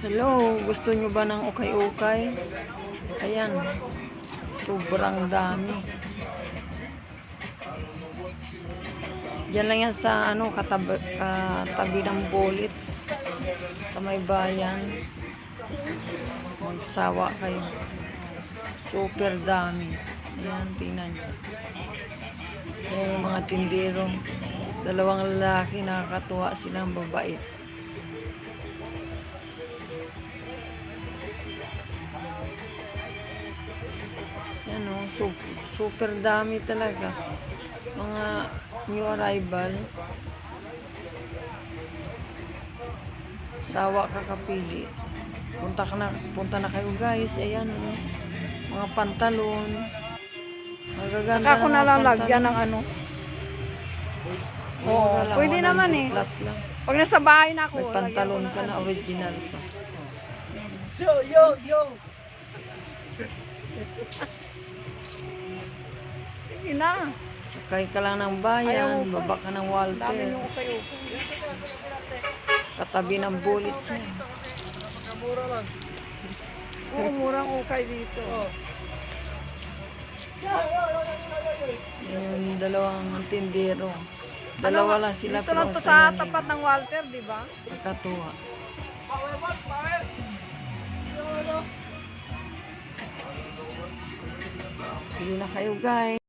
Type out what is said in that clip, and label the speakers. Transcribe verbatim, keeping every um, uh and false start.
Speaker 1: Hello, gusto nyo ba ng ukay-ukay? Ayan, sobrang dami. Diyan lang yan sa ano, katabi, katabi ng bullets sa may bayan. Magsawa kayo. Super dami. Ayan, tingnan nyo. Ayan yung mga tindero. Dalawang lalaki, nakakatuwa silang babait. Yan o, super, super dami talaga. Mga new arrival. Sawa ka kapili. Punta ka na, punta na kayo guys. Ayan o. Mga pantalon. Magaganda.
Speaker 2: Saka ako
Speaker 1: na
Speaker 2: nalalagyan ng ano. Oo,
Speaker 1: lang,
Speaker 2: pwede naman eh.
Speaker 1: Plus lang.
Speaker 2: Pag nasa bahay na ako.
Speaker 1: May pantalon ka na original pa.
Speaker 3: Yo, yo, yo!
Speaker 2: Sige na.
Speaker 1: Sakay ka lang ng bayan, baba ka ng
Speaker 2: Dami
Speaker 1: Walter.
Speaker 2: yung ukay-ukay.
Speaker 1: Katabi ng bullets niya.
Speaker 3: Mura lang.
Speaker 2: Oo, murang ukay dito.
Speaker 1: Yung dalawang tindero. Dalawa lang sila
Speaker 2: Dito lang to
Speaker 1: basta
Speaker 2: sa
Speaker 1: yan,
Speaker 2: tapat ng Walter, di ba?
Speaker 1: nakatuwa. Hindi na kayo guys.